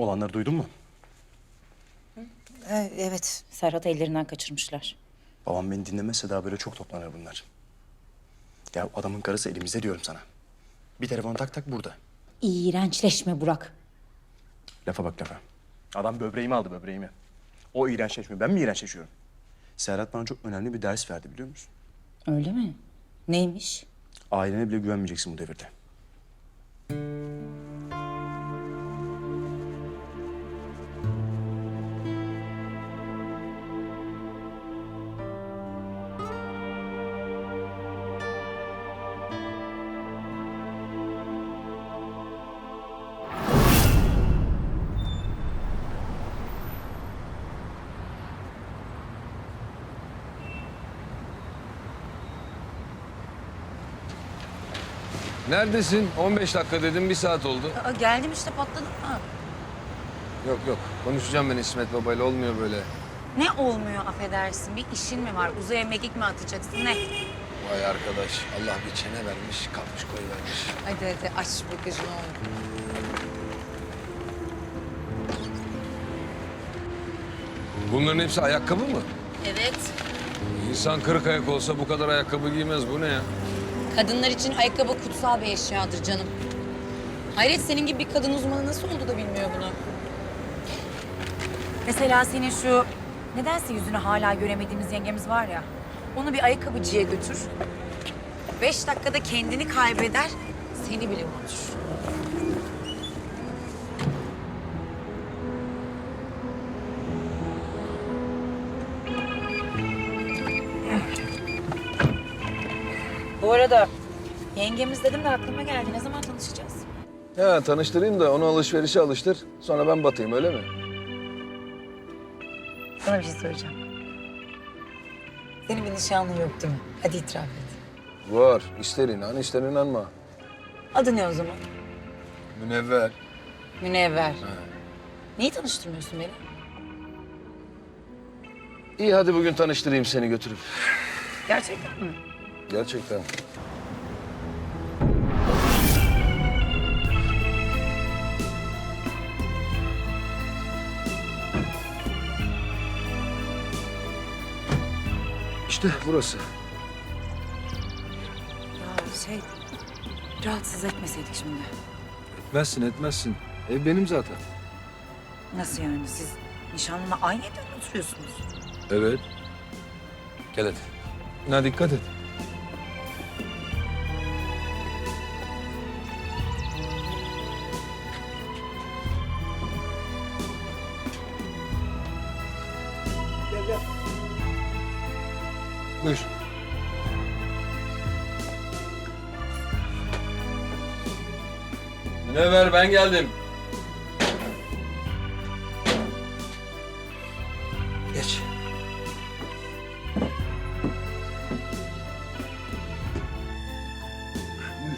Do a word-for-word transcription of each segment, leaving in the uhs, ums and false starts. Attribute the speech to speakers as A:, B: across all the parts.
A: Olanları duydun mu?
B: Ee, evet, Serhat'ı ellerinden kaçırmışlar.
A: Babam beni dinlemezse daha böyle çok toplanır bunlar. Ya adamın karısı elimizde diyorum sana. Bir telefon tak tak burada.
B: İğrençleşme Burak.
A: Lafa bak lafa. Adam böbreğimi aldı böbreğimi. O iğrençleşmiyor. Ben mi iğrençleşiyorum? Serhat bana çok önemli bir ders verdi biliyor musun?
B: Öyle mi? Neymiş?
A: Ailene bile güvenmeyeceksin bu devirde.
C: Neredesin? on beş dakika dedim, bir saat oldu.
B: Aa, geldim işte patladım mı?
C: Yok yok, konuşacağım ben İsmet Baba'yla, olmuyor böyle.
B: Ne olmuyor affedersin? Bir işin mi var? Uzaya mekik mi atacaksın? Ne?
C: Vay arkadaş, Allah bir çene vermiş, kapmış koyuvermiş.
B: Hadi hadi aç bagajını oğlum.
C: Bunların hepsi ayakkabı mı?
B: Evet.
C: İnsan kırık ayak olsa bu kadar ayakkabı giymez, bu ne ya?
D: Kadınlar için ayakkabı kutsal bir eşyadır canım. Hayret, senin gibi bir kadın uzmanı nasıl oldu da bilmiyor bunu?
B: Mesela senin şu nedense yüzünü hala göremediğimiz yengemiz var ya. Onu bir ayakkabıcıya götür. Beş dakikada kendini kaybeder, seni bile unutur. Bu arada yengemiz dedim de aklıma geldi. Ne zaman tanışacağız?
C: Ya tanıştırayım da onu alışverişe alıştır, sonra ben batayım, öyle mi?
B: Sana bir şey söyleyeceğim. Senin bir nişanlın yok değil mi? Hadi itiraf et.
C: Var, ister inan, ister inanma.
B: Adı ne o zaman?
C: Münevver.
B: Münevver. Niye tanıştırmıyorsun beni?
C: İyi, hadi bugün tanıştırayım seni götürüp.
B: Gerçekten mi?
C: Gerçekten. İşte burası.
B: Ya şey, rahatsız etmeseydik şimdi.
C: Etmezsin, etmezsin. Ev benim zaten.
B: Nasıl yani? Siz nişanlına aynı evde mi oturuyorsunuz?
C: Evet. Gel hadi. Na dikkat et. Gel gel. Buyur. Münevver, ben geldim. Geç. Buyur.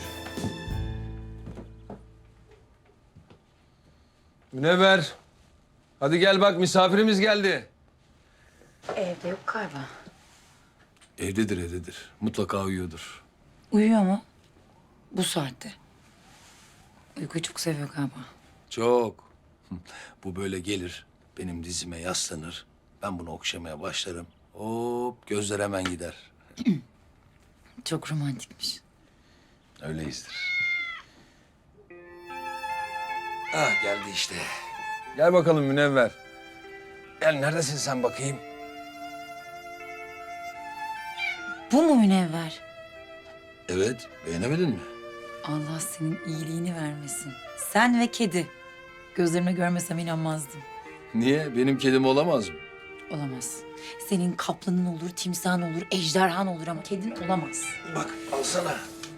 C: Münevver. Hadi gel bak, misafirimiz geldi.
B: Evde yok galiba.
C: Evdedir, evdedir. Mutlaka uyuyordur.
B: Uyuyor mu? Bu saatte. Uykuyu çok seviyor galiba.
C: Çok. Bu böyle gelir, benim dizime yaslanır. Ben bunu okşamaya başlarım. Hop, gözler hemen gider.
B: Çok romantikmiş.
C: Öyleyizdir. Ah, geldi işte. Gel bakalım Münevver. Gel, neredesin sen bakayım?
B: Bu mu Münevver?
C: Evet, beğenemedin mi?
B: Allah senin iyiliğini vermesin. Sen ve kedi. Gözlerime görmesem inanmazdım.
C: Niye? Benim kedim olamaz mı?
B: Olamaz. Senin kaplanın olur, timsahın olur, ejderhan olur ama kedin olamaz.
C: Bak, alsana.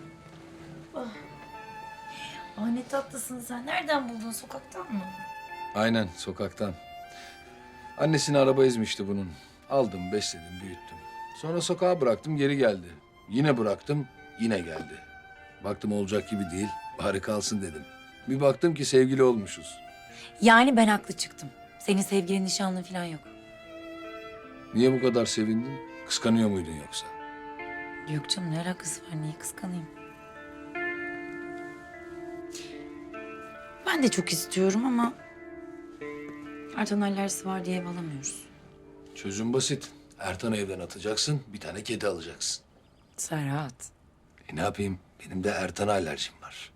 B: Aa, ne tatlısın sen. Nereden buldun? Sokaktan mı?
C: Aynen, sokaktan. Annesini araba ezmişti bunun. Aldım, besledim, büyüttüm. Sonra sokağa bıraktım, geri geldi. Yine bıraktım, yine geldi. Baktım olacak gibi değil, bari kalsın dedim. Bir baktım ki sevgili olmuşuz.
B: Yani ben haklı çıktım. Senin sevgilin, nişanlın falan yok.
C: Niye bu kadar sevindin? Kıskanıyor muydun yoksa?
B: Yok canım, ne alakası var? Niye kıskanayım? Ben de çok istiyorum ama Ertan alerjisi var diye ev alamıyoruz.
C: Çözüm basit. Ertan'ı evden atacaksın, bir tane kedi alacaksın.
B: Serhat.
C: E ne yapayım? Benim de Ertan'a alerjim var.